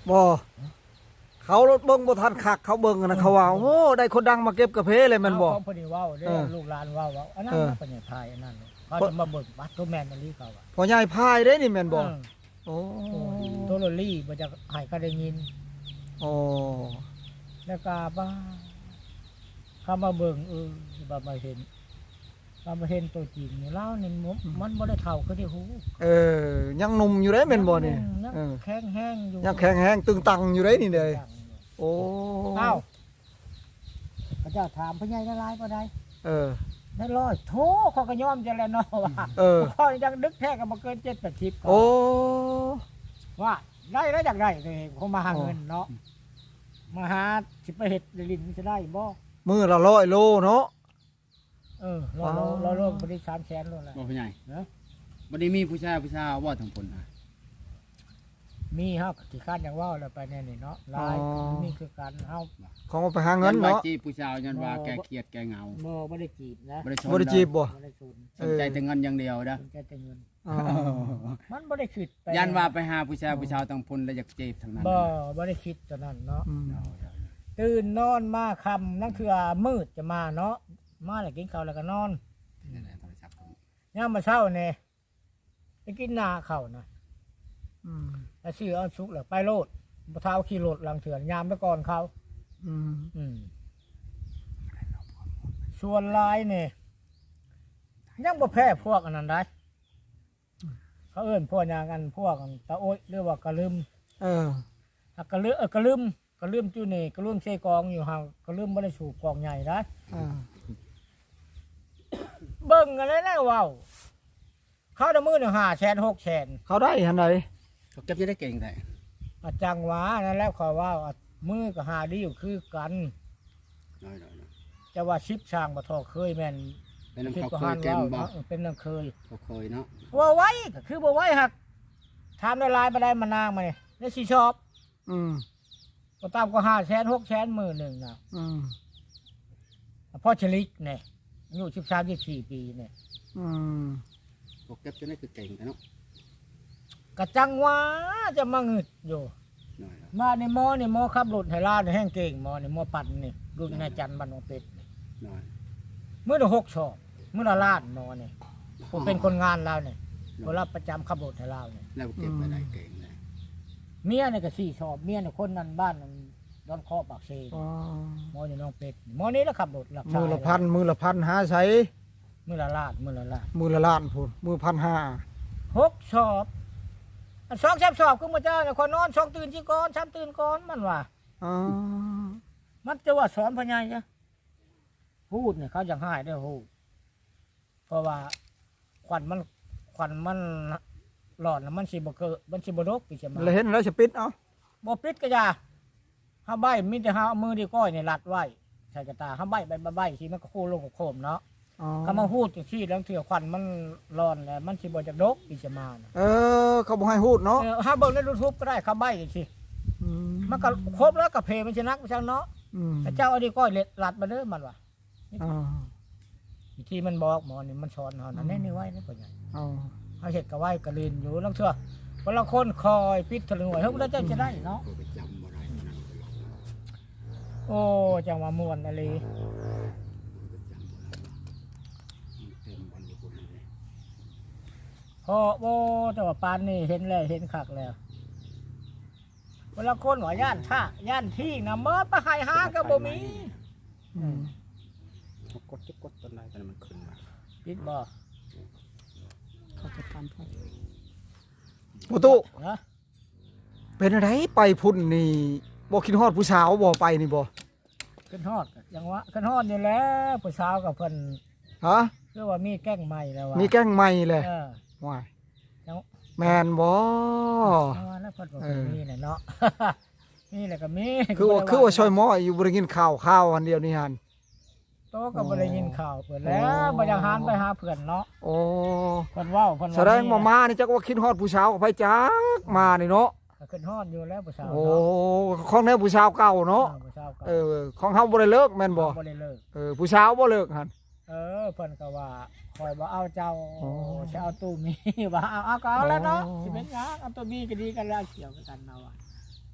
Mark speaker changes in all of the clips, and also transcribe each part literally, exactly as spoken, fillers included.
Speaker 1: บ่เขารถเบิ่งบ่ทันคักเขาเบิ่งนะเขาว่าโอ้ได้คนดังมาเก็บกระเพแลยแม่นบ่
Speaker 2: เขาพอดีเว้าเด้
Speaker 1: เออ
Speaker 2: ลูกหลานเว้าว่าอันนั้น
Speaker 1: เออ
Speaker 2: นะเป็นไทยอันนั้นเขาจะมาเบิ่งบัตรตัวแม่นอันนี้เขาอ่ะ
Speaker 1: พ่อใหญ่พายเด้นี่แม่นบ่
Speaker 2: เออ
Speaker 1: โอ้
Speaker 2: ตัวโรลลี่บ่จะให้ก็ได้ยิน
Speaker 1: โอ้
Speaker 2: แล้วก็บ้าเขามาเบิ่งเออบ่มาเห็นบ่มาเห็นตัวจริงนี่แล้วนี่มันบ่ได้เท่าคือที่หู
Speaker 1: เออยังหนุ่มอยู่เด้แม่นบ่นี่
Speaker 2: ยัง
Speaker 1: เออ
Speaker 2: แข็งแห้งอยู่
Speaker 1: ยังแข็งแรงตึงตังอยู่เด้นี่เด้โอ้
Speaker 2: เอ้าพระเจ้าถามพระใหญ่ละลายบ่ได้
Speaker 1: เออ
Speaker 2: ได้ร้อยโธ่เขาก็ยอมจะแล้วเนาะว่า
Speaker 1: เออ
Speaker 2: พ่อยังดึกแท้ก็บ่เกินเจ็ดแปดสิบก็
Speaker 1: โอ้
Speaker 2: ว่าได้แล้วอยากได้เลยเขามาหาเงินเนาะมาหาสิไปเฮ็ดลินจะได้บ่
Speaker 1: มือละร้อยโลเนาะ
Speaker 2: เออรอรอรอรอบ่ได้สามแสนโลละ
Speaker 3: บ่ผู้ใหญ่
Speaker 2: เนาะ
Speaker 3: บ่ได้มีผู้ชายผู้ชายว่าทั้งคนนะ
Speaker 2: มีเฮาที่คาดอย่างว่าแล้วไปแน่นี่เนาะหลายมีคือกันเฮา
Speaker 1: ของเอาไปหาเงิน
Speaker 3: ยัว่า
Speaker 1: เนาะ
Speaker 3: จีบผู้ชายยันว่าแกเครียดแกเหงา
Speaker 2: บ่บ่ได้จีบนะ
Speaker 3: บ่ได้สน
Speaker 1: บ่ได้จีบบ่
Speaker 2: บ่ได้สน
Speaker 3: สนใจแต่เงินอย่างเดียวนะ
Speaker 2: สนใจแต่เงิน
Speaker 1: อ๋อ
Speaker 2: มันบ่ได้คิดไป
Speaker 3: ยันว่าไปหาผู้ชายผู้ชายทั้งพลแล้วอยากจีบทั้งนั้น
Speaker 2: บ่บ่ได้คิดตอนนั้นเนาะ
Speaker 1: อืม
Speaker 2: ตื่นนอนมาค่ำนั่นคือมืดจะมาเนาะมาแล้วกินข้าวแล้วก็นอน
Speaker 3: นี่แหละโทรศัพท์ผม
Speaker 2: ยามมาเช้านี่ไปกินนาข้าวนะ
Speaker 1: อืม
Speaker 2: แล้วซื้อเอาสุกแล้วไปโลดบ่เท้าขี่รถหลังเถื่อนยามไปก่อนเขา
Speaker 1: อืม
Speaker 2: อืมส่วนลายนี่ยังบ่แพ้พวกอันนั้นได้เขาเอิ้นพวกอย่างกันพวกอันตะโอ๊ยหรือว่ากระลืม
Speaker 1: เออ
Speaker 2: อ่ะกระลืมเออกระลืมกระลืมจุนี่กระลืมเชกองอยู่ห่างกระลืมบ่ได้สูบกองใหญ่ได้
Speaker 1: อ่า
Speaker 2: เบิ่งกันแล้วนะเว้าเขาได้มื้อหนึงห้าแสนหกแสน
Speaker 1: เขาได้หันไหน
Speaker 3: เขาเก็บจะได้เก่งแต่
Speaker 2: อาจังหวะนั่นแล้วเขาว่าอ่ะมือก็หาดีอยู่คือกัน
Speaker 3: น้อยๆนะ
Speaker 2: จะว่าชิปช่างบ่ทอเคยแม่น
Speaker 3: เป็นน้ำ
Speaker 2: คิด
Speaker 3: เขา
Speaker 2: ก็
Speaker 3: เค
Speaker 2: หาย น
Speaker 3: เกม
Speaker 2: เว้า
Speaker 3: บ่
Speaker 2: เนาะเป็นน้ำเคย
Speaker 3: เขาเคยเนาะ
Speaker 2: ว่าไว้ก็คือบ่ไว้หักถามได้หลายบ่ได้มานางมานี่ได้สิชอบ
Speaker 1: อืม
Speaker 2: ก็ตามก็ห้าแสนหกแสนมื้อหนึงน่ะ
Speaker 1: อืม
Speaker 2: พ่อชลิกนี่อายุสิบสาม สิบสี่ปีนี่
Speaker 1: อืม
Speaker 3: เขาเก็บจะได้คือเก่งแต่เนาะ
Speaker 2: ก็จังหว่าจะมาหงึดอยู่
Speaker 3: น้อยนะ
Speaker 2: มาในหมอนี่หมอขับรถให้ลาดแห้งเก่งหมอนี่หมอปั่นนี่รุ่นนายจันทร์บ้านหนองเป็ดนี่
Speaker 3: น้อย
Speaker 2: มื้อละหกชอบมื้อละล้านหมอนี่ผมเป็นคนงานเรานี่บ่รับประจำขับรถให้เรานี่
Speaker 3: แล้วเก็บไปได้เก่งเลย
Speaker 2: เมียนี่ก็สี่ชอบเมียนี่คนนั้นบ้านนั้นดอนคอปากเซ
Speaker 1: อ๋อ
Speaker 2: หมอนี่น้องเป็ดหมอนี่แล้วขับรถหลัก
Speaker 1: มือละพันมือละพันหาใช้
Speaker 2: มื้อละล้านมื้อละล้าน
Speaker 1: มือละล้านพูนมือพันห้า
Speaker 2: หกชอบอันสองสามชอบคือมาเจ้าเนี่ยคนนอนสองตื่นสิก่อนสามตื่นก่อนมันว่า
Speaker 1: อ๋อ
Speaker 2: มันจะว่าสอนพญายจ้ะพูดเนี่ยเขาอยากให้ได้พูดเพราะว่าควันมันควันมันหลอดแล้วมันสิบ่เกิดมันสิบ่ดกปีจะมา
Speaker 1: แล้วเห็นแล้วจะปิดเอา
Speaker 2: บ่ปิดก็อย่าห้าใบมีแต่ห้าเอามือดีก้อยเนี่ยรัดไว้ใส่กระตาห้าใบใบใบใบที่มันก็โค้งลงกับโคมเนาะ
Speaker 1: อ๋อ
Speaker 2: เขามาพูดจังซี่แล้วเถื่อควันมันร้อนแล้วมันสิบ่จักดกปีจะมาน่ะ
Speaker 1: เออเขาบอกให้พูดเนาะ
Speaker 2: เออห้าเบิ่งใน YouTube ก็ได้เขาใบจังซี่
Speaker 1: อืม
Speaker 2: มันก็ครบแล้วก็เพมันสินักมันจังเนาะ
Speaker 1: อืม
Speaker 2: แต่เจ้าเอาดีก้อยเล็ดรัดมาเด้อมันว่า
Speaker 1: อ๋อ
Speaker 2: วิธีมันบอกหมอนี่มันสอนเฮานั่นแน่ๆไว้นะพ่อใหญ่
Speaker 1: อ๋อ
Speaker 2: เฮาเฮ็ดก็ไว้ก็ลืนอยู่ลังเทื่อคนละคนคอยปิดทะลึงไว้เฮาบ่ได้จะได้เนาะ
Speaker 3: เขาไปจำบ่ได้นะ
Speaker 2: โอ้จังว่าม่วนอะไร
Speaker 3: เต็มวันอยู่คนเลย
Speaker 2: พอโอ้แต่ว่าปานนี่เห็นแล้วเห็นคักแล้วคนละคนว่าย่านท่าย่านที่น่ะเมื่อไปหายหาก็บ่มี
Speaker 1: อืม
Speaker 3: เขากดจะกดต้นไม้ตอนนั้นมันขึ้นมา
Speaker 2: ปิดบ่
Speaker 4: เขาจะตามพ่อ
Speaker 1: ประตู
Speaker 2: นะ
Speaker 1: เป็นอะไรไปพุ่นนี่บ่คิดฮอดผู้สาวบ่ไปนี่บ่
Speaker 2: ขึ้นฮอดก็จังว่าขึ้นฮอดนี่แหล้วผู้สาวกับเพิ่น
Speaker 1: ฮะ
Speaker 2: คือว่ามีแกล้งใหม่แล้วว่า
Speaker 1: มีแกล้งใหม่เลย
Speaker 2: เออ
Speaker 1: ว้าย
Speaker 2: จัง
Speaker 1: แมนบ่
Speaker 2: จังว่าแล้วเพิ่นบ่
Speaker 1: เออ
Speaker 2: มีน่ะเนาะ มีแหละก็มี
Speaker 1: คือว่าคือว่าช่วยหมออยู่บ่ได้กินข้าวข้าวอันเดียวนี่หั่น
Speaker 2: โตก็บ่ได้ยินข่าวเพิ่นแล้วบ่อยากหานไปหาเพื่อนเนาะ
Speaker 1: โอ้
Speaker 2: เพิ่นเว้าเพิ่นว่า
Speaker 1: แสดงว่ามานี่จักว่าคิดฮอดผู้สาวกับไผจักมานี่เนาะ
Speaker 2: ก็ขึ้นฮอดอยู่แล้วผู้สาว
Speaker 1: โอ้
Speaker 2: เนาะ
Speaker 1: ของแนวผู้สาวเก่าเนาะ
Speaker 2: ออผู้สาวก็
Speaker 1: เออของเฮาบ่ได้เลิกแม่นบ่
Speaker 2: บ่ได้เลิก
Speaker 1: เออผู้สาวบ่เลิกหั่น
Speaker 2: เออเพิ่นก็ว่าคอยบ่เอาเจ้า
Speaker 1: โอ้
Speaker 2: จะเอาตู้มี ว่าเอาเอาก็เอาแล้วเนาะ
Speaker 1: โอ้
Speaker 2: สิเป็นหยังเอาตู้มีก็ดีกันแล้วเกี่ยวกันเนาะว่า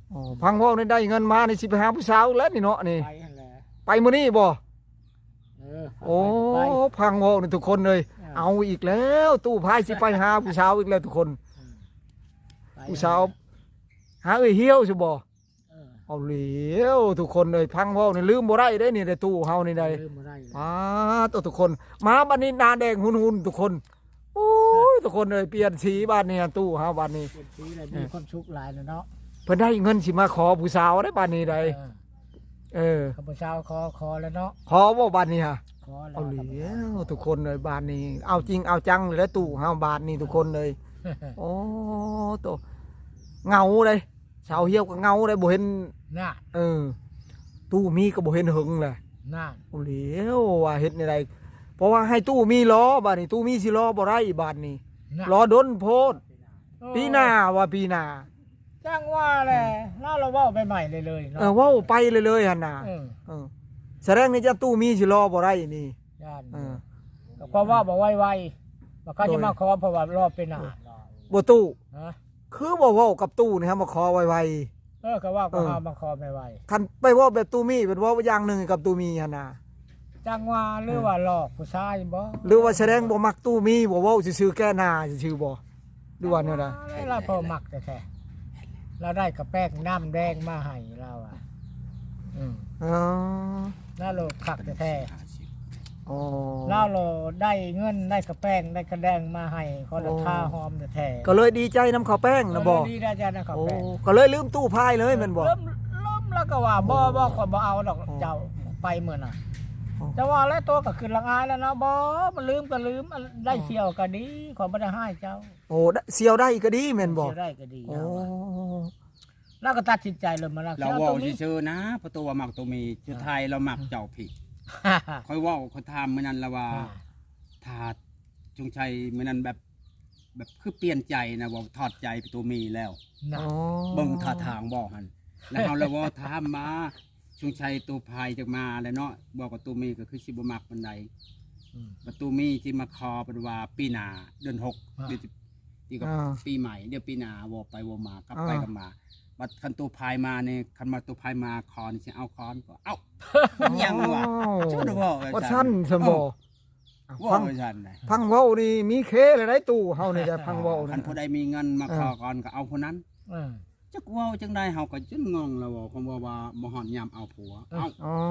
Speaker 1: อ๋อพังเว้านี่ได้เงินมานี่สิไปหาผู้สาวอีกแล้วนี่เนาะนี่
Speaker 2: ไปหั่นแหละ
Speaker 1: ไปมื้อนี้บ่
Speaker 2: เออ
Speaker 1: โอ้
Speaker 2: ไป
Speaker 1: พังเว้านี่ทุกคนเลย
Speaker 2: เออ
Speaker 1: เอาอีกแล้วตู้พายสิไปหาผู้สาวอีกแล้วทุกคน
Speaker 2: ไป
Speaker 1: ผู้สาวหาเอ้ยเหี่ยวสิบ่
Speaker 2: เออ
Speaker 1: เอาเหลียวทุกคนเลยพังเว้านี่ลืมบ่ได้เด้นี่ในตู้เฮานี่ได้
Speaker 2: ลืมบ่ได้เลย
Speaker 1: มาตัวทุกคนมาบัดนี้หนาแดงหุนๆทุกคนโอ้ยทุกคนเลยเปลี่ยนสีบ้านนี้ตู้เฮาบ้านนี้
Speaker 2: เป็นสีอะไรมีความสุขหลายนะเนาะ
Speaker 1: เพิ่นได้เงินสิมาขอผู้สาวได้บ้านนี้ได้
Speaker 2: เออ
Speaker 1: เออ
Speaker 2: ข้าพเจ้าขอขอแล้วเนาะ
Speaker 1: ขอบ่บ้านนี้ฮะ
Speaker 2: ขอแล้ว
Speaker 1: เอาเหลียวทุกคนเลยบ้านนี้ เอาจริงเอาจังเลยแล้วตู้เฮาบ้านนี้ทุกคนเลย โอ้ตัวเงาเลยสาวเหี่ยวก็เงาเลยบ่เห็น
Speaker 2: น่ะ
Speaker 1: เออ ตู้มีก็บ่เห็นหึงเลย
Speaker 2: น่ะ
Speaker 1: เอาเหลียวว่าเฮ็ดในใดเพราะว่าให้ตู้มีล้อบ้านนี้ตู้มีสิล้อบ่ได้บ้านนี้
Speaker 2: น่ะ
Speaker 1: ล้อดนโพดปีหน้าว่าปีหน้า
Speaker 2: จ้างว่าแหละน่าเราเว่าไปใหม่เลยเลยเนาะ
Speaker 1: เออเว้าไปเลยเลยหั่นน่ะ
Speaker 2: เออ
Speaker 1: เออแสดงนี่จะตู้มีสิล้อบ่ได้นี่
Speaker 2: ย่าน
Speaker 1: เออ
Speaker 2: ก็เพราะว่าบอกไวๆว่าเขาจะมาขอเพราะว่ารอบเป็นหน้า
Speaker 1: บ่ตู้
Speaker 2: ฮะ
Speaker 1: คือบ่เว้ากับตู้นี่ฮะมาขอไว
Speaker 2: เออก็ว่าก็
Speaker 1: เออ
Speaker 2: หามาขอไม่ไหว
Speaker 1: ๆคันไปเว้าแบบตู้มีเป็นเว้าอย่างหนึงกับตู้มีหั่นน่ะ
Speaker 2: จ้างว่าหรือว่าหลอกผู้ชายบ่
Speaker 1: หรือว่าแสดงบ่มักตู้มีบ่เว้าซื่อๆแก้หน้าซื่อๆบ่หรือว่าแนวใด
Speaker 2: เราพอมักแต่แท้เราได้กระแป้งน้ำแดงมาให้เราอ่ะอืม
Speaker 1: อ๋อ
Speaker 2: แล้วเราขักแต่แท้
Speaker 3: ห้าสิบ
Speaker 1: อ๋อ
Speaker 2: แล้วเราได้เงินได้กระแป้งได้กระแดงมาให้คนละ
Speaker 1: โอ้
Speaker 2: ท่าหอมแต่แท้
Speaker 1: ก็เลยดีใจนำข้าวแป้งนะบ่
Speaker 2: เออดีได้จ้านะกระ
Speaker 1: โอ้
Speaker 2: แป้ง
Speaker 1: ก็เลยลืมตู้พายเลยแม่นบ่
Speaker 2: เริ่มเริ่มแล้วก็ว่าบ่บ่ขอยบ่เอาดอก
Speaker 1: อ๋อ
Speaker 2: เจ้าไปเหมือนน่ะ
Speaker 1: อ๋อ
Speaker 2: แต่ว่าแล้วตัวก็ขึ้นละอายแล้วเนาะบ่มันลืมก็ลืมได้เสียวก็ดีขอยบ่ได้ให้เจ้า
Speaker 1: โอ้ได้เสียวได้ก็ดีแม่นบ่
Speaker 2: เสียได้ก็ดี
Speaker 1: โอ้
Speaker 2: แล้วก็ตัดสินใจเลยมาแล้ว
Speaker 3: เรา
Speaker 2: สีย
Speaker 3: เว่า
Speaker 2: ตรงนี้
Speaker 3: ซื่อๆนะเพราะตัวว่ามักตัวมีชุดไทยเรามักเจ้าผิดค่อยเว่าเขาทำมื้อนั้นละว่าถ้าจงชัยมื้อนั้นแบบ แบบคือเปลี่ยนใจนะว่าถอดใจไปตัวมีแล้ว
Speaker 2: น่ะ
Speaker 1: อ๋อ
Speaker 3: เบิ่งท่าทางบอกหันแล้วเฮาแล้วว่าถามมาจงชัยตัวพายจักมาแล้วเนาะบอกว่าตัวมีก็คือสิบ่มักปานใด
Speaker 2: อืม
Speaker 3: ประตูมีที่มาคอเป็นว่าปีหนาเดือนหก
Speaker 2: อ่า
Speaker 3: เดือนที่ก็
Speaker 1: อ่า
Speaker 3: ปีใหม่เดี๋ยวปีหนาวอไปวอมากลับไป
Speaker 1: อ่า
Speaker 3: กลับมาบัดคันตัวพายมาเนี่ยคันมาตัวพายมาคอนี่สิเอาคอนก็เอ้ายังวะชุดว่า
Speaker 1: ว่าสั้นสมบ่
Speaker 3: ว่า
Speaker 1: ฟัง
Speaker 3: ไปซั่นนะ
Speaker 1: พังเว้านี่มีเคเลยได้ตู้เฮานี่ได้พังเว้า
Speaker 3: คัน
Speaker 1: นี่
Speaker 3: ผู้ใดมีเงินมาคอก่อนก็เอาคนนั้น
Speaker 2: เออ
Speaker 3: จักเว้าจังได๋เฮาก็จนงงแล้วว่าคำว่าว่าบ่ฮอดยามเอาผัวเอ้า
Speaker 1: อ๋อง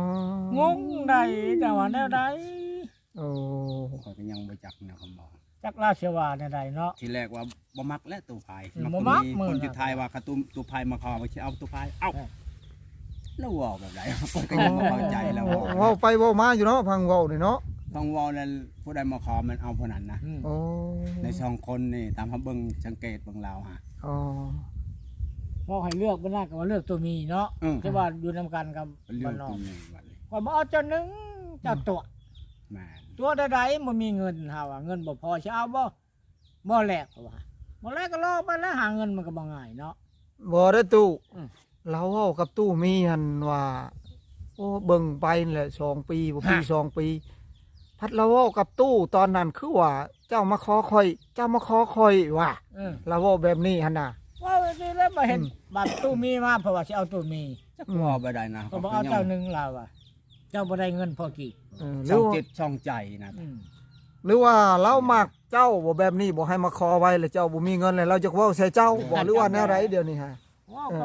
Speaker 2: งได้แต่ว่าแนวใด
Speaker 1: โอ้
Speaker 3: ข้อยก็ยังบ่จักนะคำบอก
Speaker 2: จักราชว่าแนวใดเนาะ
Speaker 3: ทีแรกว่าบ่มักและตัวพาย
Speaker 2: อืม
Speaker 3: ตัว
Speaker 2: บ่มักมื้อ
Speaker 3: คน
Speaker 2: น่ะ
Speaker 3: สุดท้ายว่าคันตัวตัวพายมาคอว่าสิเอาตัวพายเอ้า
Speaker 2: เออ
Speaker 3: แล้วเว่าแบบไหน ผมก็ยังไม่เข้าใจแล้ว
Speaker 1: เว้าไปเว้ามาอยู่เนาะพังเว้านี่เนาะ
Speaker 3: ต้องเว่าแล้วผู้ใดมาขอมันเอาผู้นั้นนะ
Speaker 2: อืม
Speaker 1: โอ้
Speaker 3: ในสองคนนี่ตามเขาเบิ่งสังเกตเบิ่งเราฮะ
Speaker 1: อ๋อ
Speaker 2: พอให้เลือกบ่น่าก็ว่าเลือกตัวมีเนาะ
Speaker 3: อืม
Speaker 2: ที่ว่าอยู่นํกันกับ
Speaker 3: เรื่อ
Speaker 2: บ้าง นนอ
Speaker 3: ตร
Speaker 2: ก
Speaker 3: งนี้วันนี้
Speaker 2: ว่าบ่เอาเจ้าหนึงเจ้าตัว
Speaker 3: แม่น
Speaker 2: ตัวใดๆบ่มีเงินเฮาว่าเงินบ่พอสิเอาบ่บ่แลกก็ว่าบ่แลกก็รอไปแล้วหาเงินมันก็บ่ง่ายเนาะ
Speaker 1: บ่ได้ตู้
Speaker 2: อืม
Speaker 1: เราเว้ากับตู้มีหั่นว่า โอ้เบิ่งไปนั่นแหละสองปีบ่ปีสองปี พัดเราเว้ากับตู้ตอนนั้นคือว่า เจ้ามาขอคอย เจ้ามาขอคอยว่า
Speaker 2: เออ
Speaker 1: เราเว้าแบบนี้หั่นน่ะ
Speaker 2: ว่าไปสิแล้วมาเห็น
Speaker 1: อืม
Speaker 2: บัตรตู้มีมาเพราะว่าสิเอาตู้มี
Speaker 3: จักเว่าไปได้นะ
Speaker 2: ก็บอกเอาเจ้าหนึ่งเราอ่ะ เจ้าบ่ได้เงินพอกี่
Speaker 1: เออหรื
Speaker 3: ช่อ
Speaker 1: อง ว่า
Speaker 3: จิตช่องใจนะ
Speaker 2: อืม
Speaker 1: หรือว่าเรามักเจ้าบ่แบบนี้บ่ให้มาขอไว้แล้วเจ้าบ่มีเงินแล้วเราจะเว้าใส่เจ้าบ่หรือว่าแนวไรเดี๋ยวนี้ฮะ
Speaker 2: ว่า
Speaker 1: เออ
Speaker 2: ก็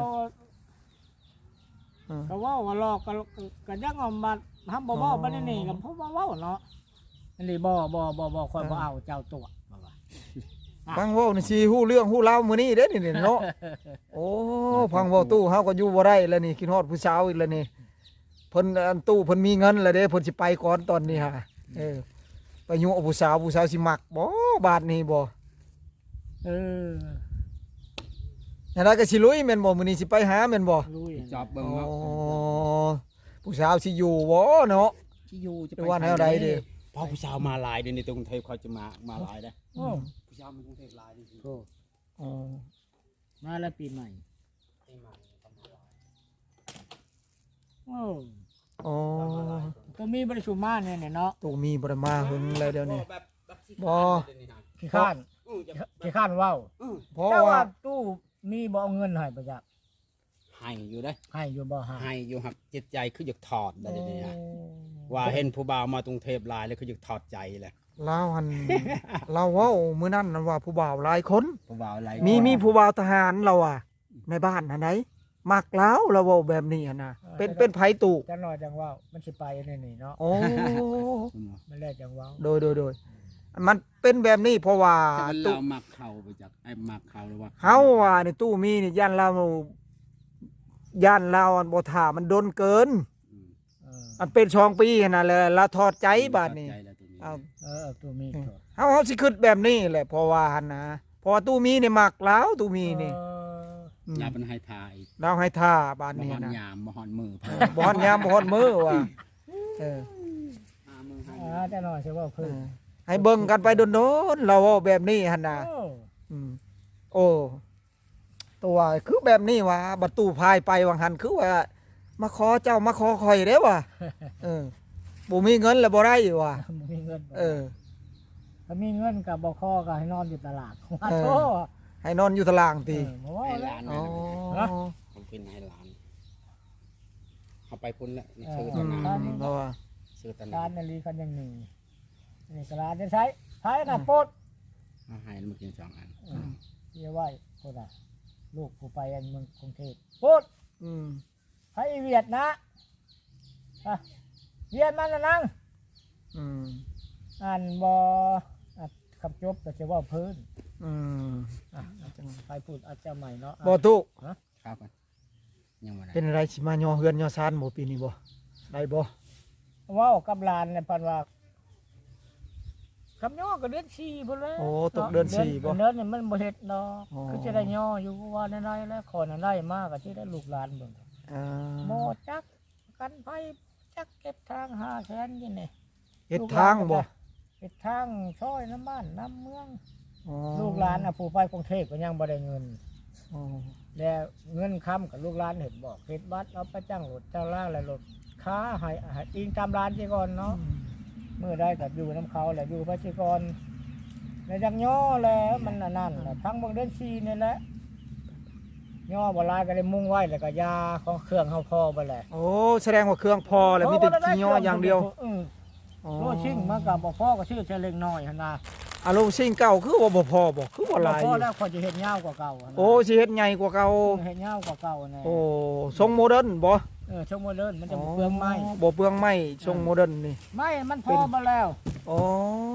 Speaker 1: เออ
Speaker 2: ก็เว่าว่าหลอกก็ก็ยังเอามาทำบ่
Speaker 1: อ๋
Speaker 2: เว้า
Speaker 1: อ
Speaker 2: บ่ได้นี่ก็เพราะว่าเว้าเนาะอันนี้บ่บ่บ่บ่ค่อยบ่
Speaker 1: เออ
Speaker 2: เอาเจ้าตัวบ่ว่า
Speaker 1: ฟังเว้านี่สิฮู้เรื่องฮู้ราวมื้อนี้เด้นี่นี่เนาะ โอ้พังเว้าตู้เฮาก็อยู่บ่ได้แล้วนี่คิดฮอดผู้สาวอีกแล้วนี่เพิ่นอันตู้เพิ่นมีเงินแล้วเด้เพิ่นสิไปก่อนตอนนี้ฮะเออไปยุ่งกับผู้สาวผู้สาวสิมักบ่บาดนี้บ่
Speaker 2: เออ
Speaker 1: อย่างนั้นก็สิลุยแม่นบ่มื้อนี้สิไปหาแม่นบ่
Speaker 2: รู้อย่าง
Speaker 3: จอบเบิ่ง
Speaker 1: อ๋อ
Speaker 3: ว่า
Speaker 1: ผู้สาวสิอยู่บ่เนาะ
Speaker 3: ที่อยู่จะ
Speaker 1: หรือว่าแนวใดดิ
Speaker 3: พอผู้สาวมาหลายเดี๋ยวนี้ตรงกรุงเทพเขาจะมามาหลายเด้อ
Speaker 2: โอ้
Speaker 3: ผู้สาวมันกรุงเทพหลายจริง
Speaker 2: โห
Speaker 1: อ๋อ
Speaker 2: มาแล้วปีใหม่
Speaker 3: ๆที่มาเขามาหลาย
Speaker 2: โอ้
Speaker 1: อ๋อ
Speaker 2: ตัวมีบ่ได้สุมาเนี่ยเนี่ยเนาะ
Speaker 1: ตู้มีบ่ได้มาหึงเลยเดี๋ยวนี้
Speaker 3: แบบแบบสิ
Speaker 1: บ่
Speaker 3: เดี๋ยวนี้นะ
Speaker 2: ขี้ข้าน
Speaker 3: อื้อจะ
Speaker 2: ขี้ข้านเว้า
Speaker 3: อื้อ
Speaker 1: เพราะ
Speaker 2: แต่ว่า
Speaker 1: ว่า
Speaker 2: ตู้มีบ่เอาเงินให้ประจักษ์
Speaker 3: หให้อยู่ได้
Speaker 2: ให้อยู่บ่หา
Speaker 3: ให้อยู่หักจิตใจคืออยากถอดได้เดี๋ยวนี้นะ
Speaker 2: โอ้
Speaker 3: ว่าเห็นผู้บ่าวมากรุงเทพหลายแล้วคืออยากถอดใจแหละ
Speaker 1: ลาวหัน เราเว้ามื้อนั้นนั่นว่าผู้บ่าวหลายคน
Speaker 3: ผู้บ่าวหลาย
Speaker 1: มี
Speaker 3: คน
Speaker 1: มีผู้บ่าวทหารเราอ่ะ ในบ้านอันไหนมักแล้วเราเว้าแบบนี้อะนะเป็นเป็นไผตู่
Speaker 2: จังหน่อยจังเว้ามันสิไปนี่นี่เนาะ
Speaker 1: โอ้
Speaker 2: มันแลจังเว้า
Speaker 1: โดยโดยโดยมันเป็นแบบนี้เพราะว่า
Speaker 3: จะเป็น
Speaker 1: ตู้
Speaker 3: เรามักเขาไปจากไอ้มักเขาหรือว่า
Speaker 1: เฮาว่าในตู้มีนี่ย่านเราย่านเราอันบ่ท่ามันดนเกิน
Speaker 3: อืม
Speaker 2: เออ
Speaker 1: อันเป็นสองปีหั่นน่ะแหละละถอดใจบาดนี้
Speaker 3: ถอใจแล้วตัวนี้
Speaker 1: เอา
Speaker 2: เออเอาตัวมีดก่อน
Speaker 1: เฮาเฮาสิคิดแบบนี้แหละเพราะว่าหั่นนะเพราะว่าตู้มีนี่มักแล้วตู้มีนี่
Speaker 2: เออ
Speaker 1: ม
Speaker 3: อย่าเป็นให้ทาย
Speaker 1: เราให้ท่าบาด
Speaker 3: บ่
Speaker 1: นี้
Speaker 3: ฮอน
Speaker 1: นะ
Speaker 3: ยามบ่ฮอนมือ
Speaker 1: บ่ฮอนยามบ่ฮอนมือว่ะเออ
Speaker 3: หามือให้
Speaker 2: อ่าจังหน่อยสิเว้า
Speaker 1: เอ
Speaker 2: เพิ่น
Speaker 1: อให้เบิ่งกันไปโดนๆเราเว้าแบบนี้หั่นน่ะ
Speaker 2: โอ้
Speaker 1: อืมโอ้ตัวคือแบบนี้วะบัดตู้พายไปวังหันคือว่า มาขอเจ้ามาขอคอยเด้วะเออบ่มีเงินแล้วบ่ได้วะ
Speaker 2: บ่มีเงินบ่
Speaker 1: เออ
Speaker 2: ถ้ามีเงินก็บ่คอก็ให้นอนอยู่ตลาดว่า
Speaker 1: เออ
Speaker 2: โธ่
Speaker 1: ให้นอนอยู่ตาราง
Speaker 2: เอ
Speaker 1: ตี
Speaker 2: อบ่ว่า
Speaker 3: ให้ห
Speaker 2: แล้
Speaker 3: ลาว น
Speaker 1: อ๋อ
Speaker 2: ฮะ
Speaker 3: ผมเป็นให้หลานเอาไปพุ่นละนี่
Speaker 2: เออ
Speaker 3: ซื้อ
Speaker 1: อื
Speaker 3: ตะ
Speaker 1: ม
Speaker 3: นา
Speaker 1: เพราะว่า
Speaker 3: ซื้อตะนา
Speaker 2: ร้านนาลีคันยังหนึ่งนี่ก็ร้านจะใช้ใช้น่ะโปด
Speaker 3: เอาให้แล้วมากินสองอัน
Speaker 2: เออเรียกว่าโปดอ่ะลูกผู้ไปอันเมืองกรุงเทพโปด
Speaker 1: อืม
Speaker 2: ไผเวียดนะอ่ะเวียดมันน่ะนั่ง
Speaker 1: อืม
Speaker 2: อ่านบ่อ่ะคำจบก็จะว่าเพิ่น
Speaker 1: อืม
Speaker 2: อ่ะจังไปพูดอาจจะใหม่เนาะ
Speaker 1: บ่ตู้
Speaker 3: ครับกันยังบ่ได้
Speaker 1: เป็นอะไรสิมาย่อเฮือนย่อซานบ่ปีนี้บ่ได้บ่
Speaker 2: เว้ากับหลานเนี่ยเพิ่นว่าคำย่อก็เดือนสี่พุ่นแล้ว
Speaker 1: โอ้ตกเดือนสี่บ่
Speaker 2: เดือนนี่มันบ่เฮ็ดเนาะ
Speaker 1: อ๋อ
Speaker 2: คือจะได้ย่ออยู่ว่าได้ๆแล้วขอนั้นได้มากก็สิได้ลูกหลานเบิ่ง
Speaker 1: อ่า
Speaker 2: โมจักกันไผจักเก็บทางหาแสนยี่นี่
Speaker 1: เฮ็ดทางบ่
Speaker 2: เฮ็ดทางซอยน้ำบ้านน้ำเมือง
Speaker 1: อ๋อ
Speaker 2: ลูกหลานน่ะผู้ไปกรุงเทพก็ยังบ่ได้เงิน
Speaker 1: อ๋อ
Speaker 2: แล้วเงินค้ำกับลูกหลานเห็นบอกเฮ็ดบัตรเอาไปจ้างรถจ้างล่างแล้วรถค้าให้ให้อิงตามร้านสิก่อนเนาะมื้อใดก็อยู่น้ำเขาแหละอยู่ไปสิก่อนแล้วจังย่อแล้วมันอันนั่นแหละทั้งเบางเดือนสี่นี่แหละย่อบ่หลายก็เลยมุ่งไว้แล้วก็ยาของเครื่องเฮาพอบ่แหละ
Speaker 1: โอ้แสดงว่าเครื่องพอแล้วมีแต่สิย่ออย่างเดียว
Speaker 2: เออ
Speaker 1: อ๋อ
Speaker 2: โลชิ่งมันก็บ่พอก็ชื่อเชลเล็กน้อยหั่นน่ะ
Speaker 1: อารมณ์สิ่งเก่าคือว่าบ่พอบ่คือบ่หลาย
Speaker 2: พ
Speaker 1: อ
Speaker 2: อยู่ แล้วคนจะเฮ็ดยาวกว่าเก่าหั่นน่ะ
Speaker 1: โอ้สิเฮ็ดใหญ่กว่าเก่า
Speaker 2: เฮ็ดยาวกว่าเก่าแน่
Speaker 1: โอ้ทรงโมเดิร์นบ่
Speaker 2: เออช่วงโมเดิร์นมันจะบ่เปลืองไม้
Speaker 1: บ่เปลืองไม้ทรงโมเดิร์นนี่
Speaker 2: ไม้มันพอมาแล้ว
Speaker 1: อ๋อ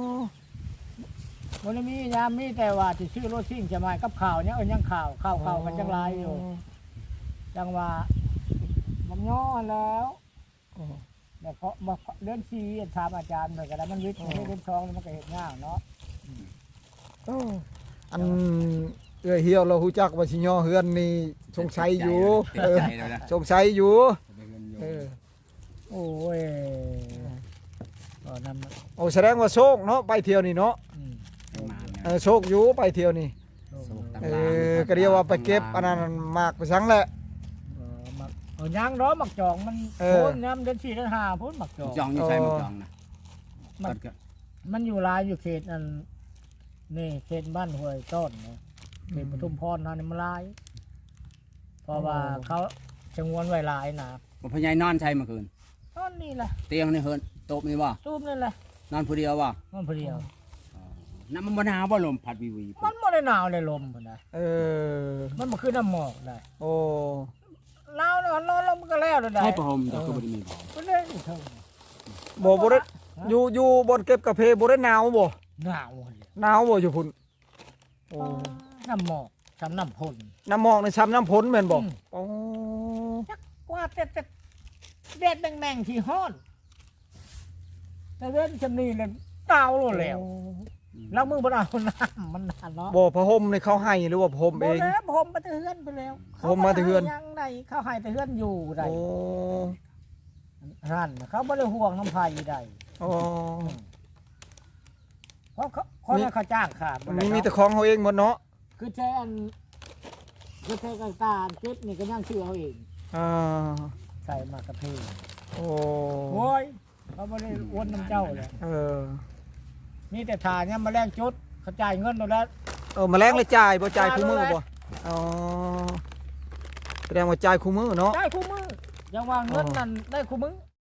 Speaker 2: บ่ได้มียามมีแต่ว่าสิซื้อรถซิ่งจะมากับข้าวเนี่ยเอ้ยยังข้าวข้าวข้าวกันจังหลายอยู่จังว่าบ่ย่อแล้ว
Speaker 1: อ๋อ
Speaker 2: แต่เพราะบ่เดือนสี่ถามอาจารย์เพิ่นก็ได้มันวิทย์มันเดือนสองมันก็เฮ็ดยากเนาะ
Speaker 1: โอ้อันเอื้อยเหี่ยวเราฮู้จักว่าสิย่อเฮือนนี่สงสัยอยู่
Speaker 3: ติด
Speaker 1: เออ
Speaker 3: ใจแล้วนะ
Speaker 1: สงสัยอยู่
Speaker 3: ได้เงินอยู่
Speaker 1: เออ
Speaker 2: โอ้ยก็นำ
Speaker 1: โอ้แสดงว่าโชคเนาะไปเที่ยวนี่เนาะ
Speaker 2: อืม
Speaker 3: ประมาณนั้น
Speaker 1: เออโชคอยู่ไปเที่ยวนี่
Speaker 3: โชคตาม
Speaker 1: เอ
Speaker 3: ร้าน
Speaker 1: อก็เรียกว่าไปเก็บอันนั้นมากไปซังแหละ
Speaker 2: เออมักเอายางร้อมักจองมัน
Speaker 1: เออ
Speaker 2: โพ้นยามเดือนสี่เดือนห้าโพ้นมักจอง
Speaker 3: จองอยู่ใช่มั้ยจองนะ
Speaker 2: มัน
Speaker 3: ตัดก็
Speaker 2: มันอยู่หลายอยู่เขตอันนี่เขตบ้านห้วยต้นนะเขตปทุมพรนั่นนี่มันหลาย เพราะว่าเขาชงวนไว้หลายนะ
Speaker 3: บ่พญายนอนใช่เมื่อคืน
Speaker 2: ตอนนี้แหละ
Speaker 3: เตียงนี่เฮินโต๊ะนี่บ่
Speaker 2: ตูมนี่แหละ
Speaker 3: นอนผู้เดียวบ่
Speaker 2: มันเพลียว
Speaker 3: น้ำมันบ่หนาวบ่ลมพัดวิวี
Speaker 2: มันไม่ได้หนาวเลยลมพุ่นนะ
Speaker 1: เออ
Speaker 2: มันมาขึ้นน้ำหมอกได้
Speaker 1: โอ้
Speaker 2: หนาวแล้วนอนลมมันก็แล้วเลยได้
Speaker 3: ให้ประหมแต่ก็บ่ได้มีผม
Speaker 2: ก็เลยอีกเท่า
Speaker 1: บ่บ่ได้อยู่อยู่บนเก็บกาแฟบ่ได้หนาวบ่
Speaker 2: หนาวเลย
Speaker 1: หนาวบ่อยู่พุ่นโอ้
Speaker 2: น้ำหมอกสำน้ำพ่น
Speaker 1: น้ำหมอกในซ้ำน้ำพ้นแม่นบ่
Speaker 2: อืม
Speaker 1: โอ้
Speaker 2: จักกว่าแต่แต่เด็ดแม่งๆที่ห้อนแต่เว้นชำนีเลยเตาโลดแล้วแล้วมือบนเอาน้ำมันนานเนาะ
Speaker 1: บ่พระห่มนี่เขาให้หรือว่าผม
Speaker 2: บ่
Speaker 1: เอง
Speaker 2: แล้วผมมาแต่เฮือนไปแล้ว
Speaker 1: ผมมาแต่เฮือน
Speaker 2: ขบ่ได้ยังไงเขาให้แต่เฮือนอยู่ได้
Speaker 1: โอ้
Speaker 2: นั่นน่ะเขาบ่ได้ห่วงน้ำพายได้
Speaker 1: อ๋อ
Speaker 2: เพราะเขาคนนั้นเขาจ้างขาด
Speaker 1: มันมีมีแต่ของเขาเองหมดเนาะ
Speaker 2: คือแทนคือแทนกตาเก็บนี่ก็ยังชื่อเอาเอง
Speaker 1: อ่า
Speaker 2: ใส่มากระเพง
Speaker 1: โอ้
Speaker 2: โอ้ยเขาบ่ได้อ้วนน้ำเจ้าเลย
Speaker 1: เออ
Speaker 2: มีแต่ทาเนี่ยมาแลกจุดเขาจ่ายเงินเราแล้ว
Speaker 1: เออแมลงเลยจ่ายบ่จ่ายคู่มือบ่อ๋อแสดงว่าจ่ายคู่มือเนาะ
Speaker 2: ได้คู่มืออย่าว่าเงินนั่นได้คู่มือ